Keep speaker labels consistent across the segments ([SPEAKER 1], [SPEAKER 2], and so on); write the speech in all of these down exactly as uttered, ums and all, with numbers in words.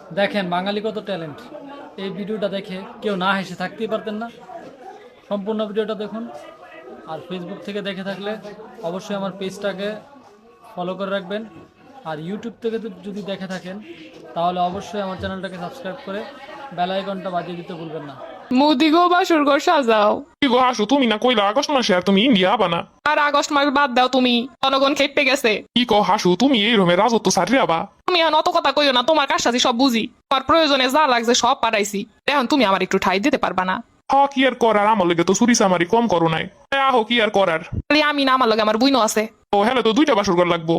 [SPEAKER 1] দেখেন বাঙালি কত ট্যালেন্ট। এই ভিডিওটা দেখে কেউ না হেসে থাকতেই পারতেন না। সম্পূর্ণ ভিডিওটা দেখুন। আর ফেসবুক থেকে দেখে থাকলে অবশ্যই আমার পেজটাকে ফলো করে রাখবেন। আর ইউটিউব থেকে তো যদি দেখে থাকেন তাহলে অবশ্যই আমার চ্যানেলটাকে সাবস্ক্রাইব করে বেল আইকনটা বাজিয়ে দিতে ভুলবেন না।
[SPEAKER 2] মুদি গো বাসুর ঘর সাজাও।
[SPEAKER 3] কি গো হাসু, তুমি না কইলা আগস্ট মাসে আর তুমি ইন্ডিয়া আবা না?
[SPEAKER 2] আর আগস্ট মাস বাদ দাও, তুমি জনগণ খেপে গেছে।
[SPEAKER 3] কি কো হাসু, তুমি এই রকমের রাজত্ব সারি আবা?
[SPEAKER 2] তুমি এখন অত কথা কইও না, তোমার কাজটাছি সব বুঝি। তোমার প্রয়োজনে যা লাগছে সব পাঠাইছি, এখন তুমি আমার একটু ঠাই দিতে পারবা না?
[SPEAKER 3] হ, কি আর করার, আমার লগে তো চুরি চামারি কম করো নাই। এ আহো, কি আর করার।
[SPEAKER 2] খালি আমি না, আমার লগে আমার বুইনো আছে।
[SPEAKER 3] ও হ্যালো, তো দুইটা বাসর ঘর লাগবো।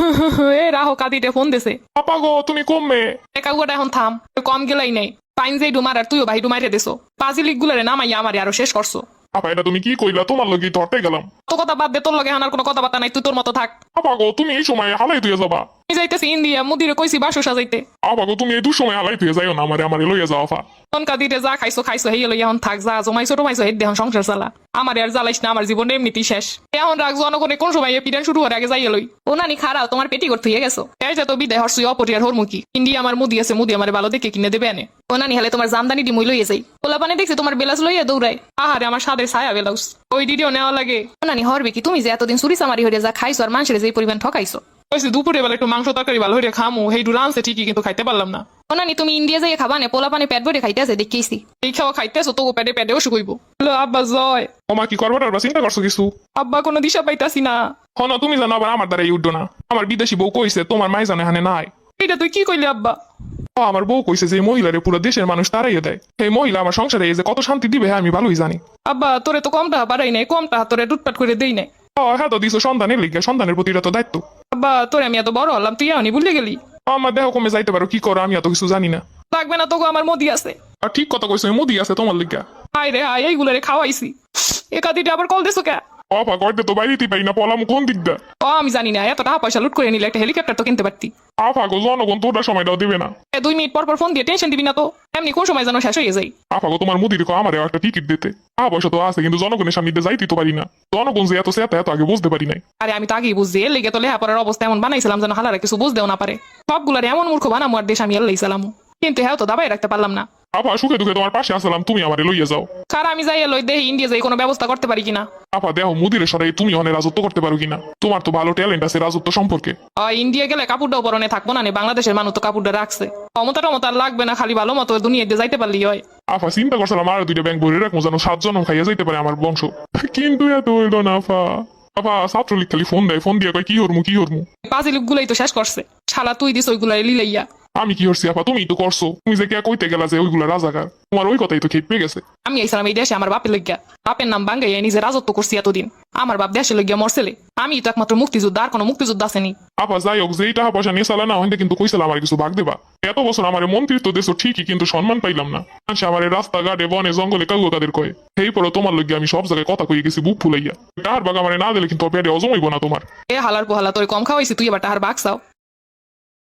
[SPEAKER 2] এ রাহো কাদিতে ফোন দিছে।
[SPEAKER 3] আপা গো, তুমি কমবে।
[SPEAKER 2] একা গোটা এখন থাম, কম গেলাই নাই। পাইন যেই ডুমার আর তুইও ভাই ডুমাইরে দিছো। পাজিলিক গুলারে নামাইয়া আমারে আরো শেষ করছো।
[SPEAKER 3] আপা এটা তুমি কি কইলা? তোমার লগে ধরতে গেলাম।
[SPEAKER 2] তো কথা বাদ দে, তোর লগে এখন আর কোনো কথাবার্তা নাই, তুই তোর মতো থাক।
[SPEAKER 3] আপা গো, তুমি এই সময় হালাই তুই যাবা?
[SPEAKER 2] আমি যাইতেছি ইন্ডিয়া, মুদিরে কইছি বাসু সাজাইতে।
[SPEAKER 3] আপা গো, তুমি এই দুসময় হালাই তুই যাইও না, আমারে আমারে লইয়া যাও আপা।
[SPEAKER 2] তনকা দিতে যা খাইছো খাইছো, হেই লই এখন থাক, যা জমাইছো টমাইছো হেই দেহন সংসার চালা। আমার আর জ্বালাইস না, আমার জীবন এমনিতেই শেষ। এখন রাখ, জনগণে কোন সময় পিডান শুরু হওয়ার আগে যাইয়ে লই। ও নানি খারাও, তোমার পেটি করতে হয়ে গেছো। এই যে তো বিদায় হরসুই অপরিয়ার হরমুখী। ইন্ডিয়া আমার মুদি আছে, মুদি আমার ভালো দেখে কিনে দেবে আনে। ও নানি হলে তোমার জামদানি ডিমুই লইয়ে যাই। পোলা পানি দেখছি তোমার বেলাস লইয়া দৌড়ায়। আহারে আমার সাদের ছায়া বেলাউস, ওই ডিডিও নেওয়া লাগে। ও নানি হরবে কি, তুমি যে এতদিন চুরি চামারি হইয়া যা খাইছো আর মানুষের যে পরিমাণ ঠকাইছো।
[SPEAKER 3] কইছি দুপুরে বেলা একটু মাংস তরকারি ভালো হইরে খামু, হেই ডু রানছে ঠিকই, কিন্তু খাইতে পারলাম না।
[SPEAKER 2] ও নানি তুমি ইন্ডিয়া যাইয়ে খাবা না, পোলা পানি পেট ভরে খাইতেছে দেখেছি। এই খাওয়া খাইতেছো তো পেটে পেটেও শুকুইব। আব্বা জয়।
[SPEAKER 3] ওমা, কি করবার টারবার চিন্তা করছো কিছু?
[SPEAKER 2] আব্বা কোনো দিশা পাইতাছি না।
[SPEAKER 3] হন, তুমি জানো আবার আমার দ্বারা উঠো না। আমার বিদেশি বউ কইছে তোমার মাই জানে হানে নাই।
[SPEAKER 2] এটা তুই কি কইলি আব্বা?
[SPEAKER 3] ও, আমার বউ কইছে যে মহিলারে পুরো দেশের মানুষ তারাইয়ে দেয়। এই মহিলা আমার সংসারে এই যে কত শান্তি দিবে আমি ভালোই জানি।
[SPEAKER 2] আব্বা তোরে তো কম টাকা পারাই নাই, কম টাকা তোরে টুটপাট করে দেই নাই।
[SPEAKER 3] ও হ্যাঁ, তো দিছো সন্তানের লিগে, সন্তানের প্রতি এটা তো দায়িত্ব।
[SPEAKER 2] আব্বা তোরে আমি এত বড় হলাম, তুই এমনি ভুলে গেলি।
[SPEAKER 3] আমার দেহ কমে যাইতে পারো, কি করো আমি এত কিছু জানি না।
[SPEAKER 2] লাগবে না তোকে, আমার মোদি আছে।
[SPEAKER 3] আর ঠিক কথা কইছো, মুদি আছে তোমার লিগা।
[SPEAKER 2] হাই রে হাই, এইগুলারে খাওয়াইছি। একাদিটা আবার কল দিছো কে?
[SPEAKER 3] অপা করতে তো বাইরেতেই পাই না, পলাম কোন দিকটা।
[SPEAKER 2] ও আমি জানি না, এত টাকা পয়সা লুট করে নিলে একটা হেলিকপ্টার তো কিনতে পারতি।
[SPEAKER 3] আফা গো, জনগণ তোটা সময়টাও দিবে না।
[SPEAKER 2] এ দুই মিনিট পর পর ফোন দিয়ে টেনশন দিবি না তো, এমনি কোন সময় যেন শেষ হয়ে যায়।
[SPEAKER 3] আফা গো, তোমার মুদির আমারে একটা টিকিট দিতে। আ পয়সা তো আছে, কিন্তু জনগণের সামনে দিয়ে যাইতে তো পারি না। জনগণ যে এত সেটা এত আগে বুঝতে পারি নাই।
[SPEAKER 2] আরে আমি তো আগেই বুঝছি, এর লেগে তো লেহাপড়ার অবস্থা এমন বানাইছিলাম যেন হালারা কিছু বুঝতেও না পারে। সবগুলার এমন মূর্খ বানামো আর দেশ আমি এলাইছিলাম, কিন্তু হ্যাঁ তো দাবাই রাখতে পারলাম না।
[SPEAKER 3] আফা সুখে দুঃখে তোমার পাশে আসলাম, তুমি আমারে লইয়া যাও।
[SPEAKER 2] কার আমি যাই এলোই দেহি ইন্ডিয়া যাই কোনো ব্যবস্থা করতে পারি কিনা।
[SPEAKER 3] আফা দেহ মুদিরের সরাই তুমি অনেক রাজত্ব করতে পারো কিনা। তোমার তো ভালো ট্যালেন্ট আছে রাজত্ব সম্পর্কে।
[SPEAKER 2] ইন্ডিয়া গেলে কাপড়টাও পরনে থাকবো না, বাংলাদেশের মানুষ তো কাপড়টা রাখছে। ক্ষমতা টমতা আর লাগবে না, খালি ভালো মতো দুনিয়া দিয়ে যাইতে পারলি হয়।
[SPEAKER 3] আফা চিন্তা করছিলাম আর দুইটা ব্যাংক ভরে রাখবো, যেন সাত জন্ম খাইয়া যাইতে পারে আমার বংশ। কিন্তু এত হইল না আফা। আফা ছাত্রলীগ খালি ফোন দেয়, ফোন দিয়ে কয় কি হরমু কি হরমু।
[SPEAKER 2] পাঁচিল গুলাই তো শেষ করছে, শালা তুই দিস ওইগুলাই লিলাইয়া।
[SPEAKER 3] আমি কি হরছি আফা? তুমি তো করছো। তুমি যে কে কইতে গেলা যে ওইগুলা রাজাকার, তোমার ওই কথাই তো খেপে গেছে।
[SPEAKER 2] আমি আইসালাম এই দেশে আমার বাপের লইগা, বাপের নাম বাঙ্গাইয়া নিজে রাজত্ব করছি এতদিন। আমার বাপ দেশে লইগা মরছেলে, আমি তো একমাত্র মুক্তিযোদ্ধা, আর কোনো মুক্তিযোদ্ধা আসেনি।
[SPEAKER 3] আপা যাই হোক, যেই টাকা পয়সা নিয়ে চালা না হইতে কিন্তু কইছিলাম আমার কিছু ভাগ দেবা। এত বছর আমার মন্ত্রিত্ব দেশ ঠিকই, কিন্তু সম্মান পাইলাম না। আমার রাস্তাঘাটে বনে জঙ্গলে কাউ তাদের কয়ে। সেই পরে তোমার লইগে আমি সব জায়গায় কথা কই গেছি বুক ফুলাইয়া। টাহার বাগ আমার না দিলে কিন্তু পেটে অজম হইব না তোমার।
[SPEAKER 2] এ হালার পোহালা তোর কম খাওয়াইছি, তুই এবার টাহার বাঘ চাও।